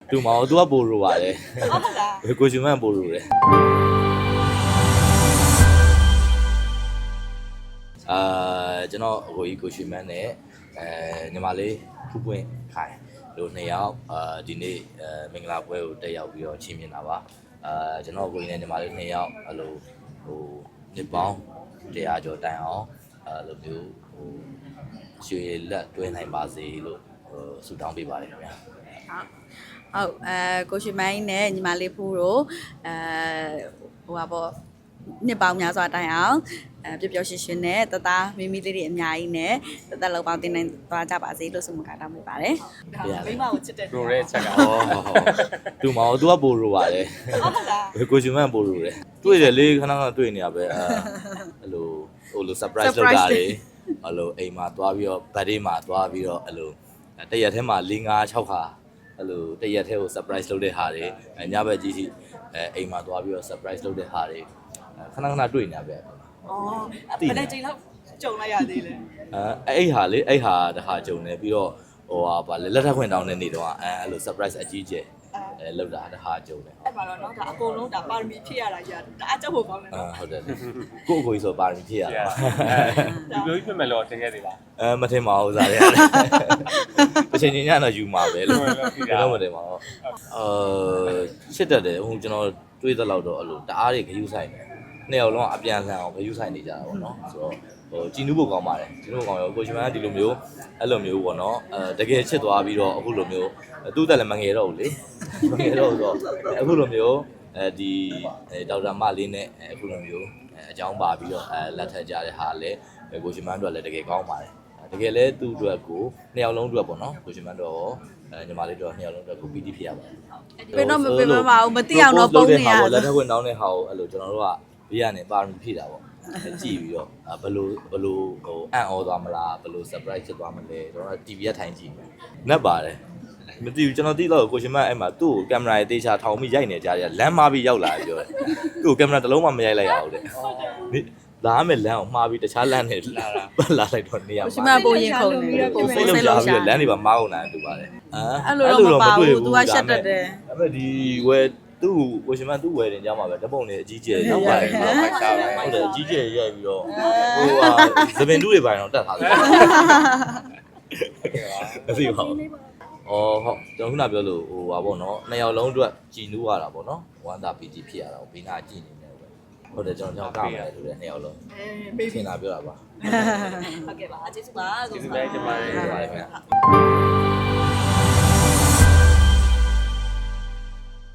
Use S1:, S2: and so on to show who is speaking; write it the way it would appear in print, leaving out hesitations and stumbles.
S1: တူမအောင်သူကပို့လို့ပါတယ်
S2: ဟုတ်လား
S1: ကိုရှင်မန်ပို့လို့တယ်ကျွန်တော်အကိုကြီးကိုရှင်မန်နဲ့ညီမလေးဖူးပွင့်ခိုင်တို့နှစ်ယောက်ဒီနေ့မင်္ဂလာပွဲကိုတက်ရောက်ပြီးတော့ချီးမြှင့်တာပါကျွန်တော်အကိုကြီးနဲ့ညီမလေးနှစ်ယောက်အဲ့လိုဟိုနှစ်ပေါင်း100ကျော်တိုင်အောင်အဲ့လိုမျိုးဟိုရွှေလက်တွဲနိုင်ပါစေလို့ဆုတောင်းပေးပါတယ်ခင်ဗျာ
S2: ဟုတ်ကိုရှင်မိုင်းနဲ့ညီမလေးဖူးတို့ဟိုပါပေါ့နှစ်ပေါင်းများစွာတိုင်အောင်ပျော်ပျော်ရွှင်ရွှင်နဲ့တသားမိမိလေးတွေအများကြီးနဲ့တသက်လောက်ပေါင်းတင်နိုင်သွားကြပါစေလို့ဆုမကတောင်းပေးပါတယ်မိမကိုချစ်တဲ့
S3: ရိုတဲ့ချက်က
S1: တူမအောင်သူကပို့လို့ပါတယ်
S2: ဟုတ်လား
S1: ကိုရှင်မန်ပို့လို့တယ်တွေ့တယ်လေခဏခဏတွေ့နေရပဲအဲ့လိုဟိုလို surprise လုပ်တာလေအဲ့လိုအိမ်မှာသွားပြီးတော့ birthday မှာသွားပြီးတော့အဲ့လိုတရက်ထဲမှာ4 5 6ခါအဲ့လိုတရက်ထဲကို surprise လုပ်တဲ့ဟာတွေညဘက်ကြီးစီအိမ်မှာသွားပြီးတော့ surprise လုပ်တဲ့ဟာတွေခဏခဏတွေ့နေရပဲ
S2: ဘယ်နဲ့ချိန်လောက်ကြုံလိုက်ရသေးလဲ
S1: အဲ့ဟာလေအဲ့ဟာတခါကြုံနေပြီးတော့ဟိုဟာဗာလက်ထပ်ခွင့်တောင်းတဲ့နေ့တော့အဲ့လို surprise အကြီးကျယ်လောက်တာတခါကြုံတယ်
S2: အဲ့ပါတော့เนาะဒါအကုန်လုံးဒါပါရမီဖြည့်ရတာကြီးဒါအကြောက်ဖို့ကောင်းတယ်
S1: ဟုတ်တယ်ကိုအကိုကြီးဆိုပါရမီဖြည့်ရတာ
S3: ဒီလိုကြီးဖြစ်မယ်လို့ထင်ခဲ့သေးလား
S1: မထင်ပါဘူးစားရတယ်တစ်ချိန်ချင်းညတော့ယူမှာပဲလို့တော့မထင်ပါဘူးချစ်တတ်တယ်ဟိုကျွန်တော်တွေးသလောက်တော့အဲ့လိုတအားတွေခရူးဆိုင်တယ်နှစ်ယောက်လုံးအပြန်လှန်အောင်ခရူးဆိုင်နေကြတာပေါ့နော်ဆိုတော့ဟိုကြည်နူးဖို့ကောင်းပါတယ်ကြည်နူးဖို့ကောင်းရောကိုရှင်မန်ကဒီလိုမျိုးအဲ့လိုမျိုးပေါ့နော်တကယ်ချစ်သွားပြီးတော့အခုလိုမျိုးသူ့တက်လည်းမငယ်တော့ဘူးလေမငယ်တော့ဆိုတော့အခုလိုမျိုးဒီဒေါက်တာမလေးနဲ့အခုလိုမျိုးအကြောင်းပါပြီးတော့လက်ထပ်ကြတဲ့ဟာလည်းကိုရှင်မန်တို့ကလည်းတကယ်ကောင်းပါတယ်တကယ်လဲသူ့အတွက်ကိုနှစ်ယောက်လုံးအတွက်ပေါ့နော်ကိုရှင်မန်တို့ညီမလေးတို့နှစ်ယောက်လုံးအတွက်ကိုပီတိဖြစ်ရပါတယ်
S2: ဘယ်တော့မပင်မပါဘူးမသိအောင်တော့ပုံနေရ
S1: လက်ထပ်ခွင့်တောင်းတဲ့ဟာကိုအဲ့လိုကျွန်တော်တို့ကဘေးကနေပါရမီဖြည့်တာပေါ့ကြည့်ပြီးတော့ဘယ်လိုဟိုအံ့ဩသွားမလားဘယ်လို surprise ဖြစ်သွားမလဲကျွန်တော် TV ရထိုင်ကြည့်နက်ပါတယ်မသိဘူးကျွန်တော်သိတော့ကိုရှင်မအဲ့မှာသူ့ကိုကင်မရာရေးတေးချထောင်ပြီးရိုက်နေကြတယ်လမ်းမှားပြီးရောက်လာပြီးပြောတယ်သူ့ကိုကင်မရာတစ်လုံးမှမရိုက်လိုက်ရဘူးတဲ့လာမယ်လမ်းကိုမှားပြီးတခြားလမ်းနဲ့လာလိုက်တော့နေရာမှာ
S2: ရှင်မပုံရင်ခုန်နေပုံစိတ်လုံးရှာ
S1: ပြီးလမ်းတွေပါမားအောင်လာတူပါတယ်
S2: အဲ့လိုတော့မပါဘူး तू ကရှက်တတ်တယ်
S1: အဲ့မဲ့ဒီဝယ်သူ့ကိုရှင်မသူ့ဝယ်တင်ကြမှာပဲတပုံနေအကြီးကျယ်နောက်ပါတယ်ဟုတ်တယ်အကြီးကျယ်ရိုက်ပြီးတော့ဟိုဟာသပင်တူးတွေပိုင်းတော့တက်ထားတယ်မသိပါဘူးဟုတ်ကျွန်တော်ခုနပြောလို့ဟိုပါပေါ့နော်နှစ်ယောက်လုံးအတွက်ကြည်နူးရတာပေါ့နော်ဝမ်းသာပီတိဖြစ်ရတာဘေးနာကြည်နေတယ်ပဲဟုတ်တယ်ကျွန်တော်ကမယ်ဆိုတဲ့နှစ်ယောက်လုံး
S2: မေး
S1: ပြင်လာပြောတာပါ
S2: ဟုတ်ကဲ့ပါကျေးဇူးပါ
S3: ကျေးဇူးပဲတင်ပါတယ်
S1: ခင်ဗျာ